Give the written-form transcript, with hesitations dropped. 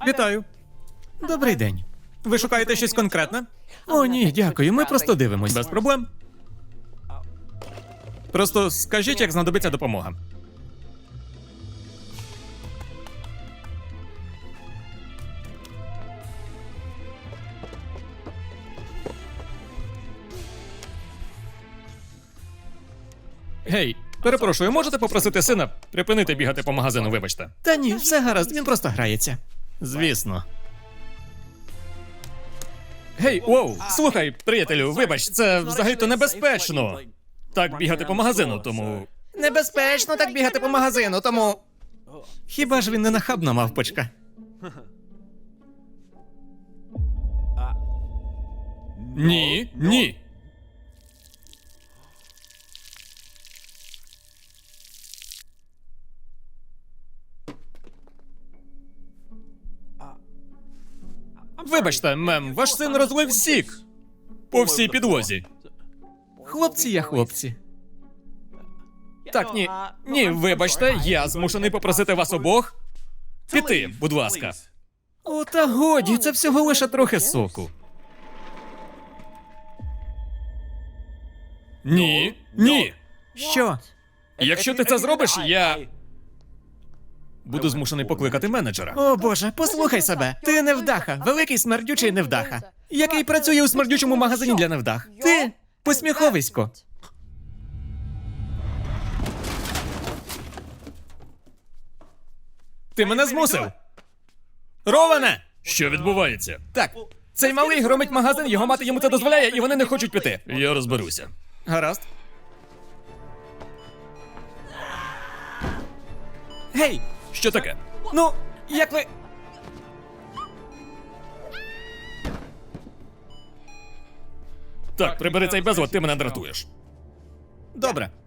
Вітаю. Добрий день. Ви шукаєте щось конкретне? О, ні, дякую. Ми просто дивимось. Без проблем. Просто скажіть, як знадобиться допомога. Гей, перепрошую, можете попросити сина припинити бігати по магазину, вибачте? Та ні, все гаразд, він просто грається. Звісно. Гей, воу, слухай, приятелю, вибач, це взагалі-то небезпечно. Так бігати по магазину, тому. Небезпечно так бігати по магазину, тому. Хіба ж він не нахабна мавпочка? Ні, ні. Вибачте, мем, ваш син розлив сік по всій підлозі. Хлопці є хлопці. Так, ні. Ні, вибачте, я змушений попросити вас обох піти, будь ласка. О, та годі, це всього лише трохи соку. Ні, ні. Що? Якщо ти це зробиш, я буду змушений покликати менеджера. О боже, послухай себе. Ти невдаха, великий смердючий невдаха, який працює у смердючому магазині для невдах. Ти посміховисько. Ти мене змусив. Роване! Що відбувається? Так, цей малий громить магазин, його мати йому це дозволяє, і вони не хочуть піти. Я розберуся. Гаразд. Гей! Що таке? Ну, як ви. Так, прибери цей безлад, ти мене дратуєш. Добре.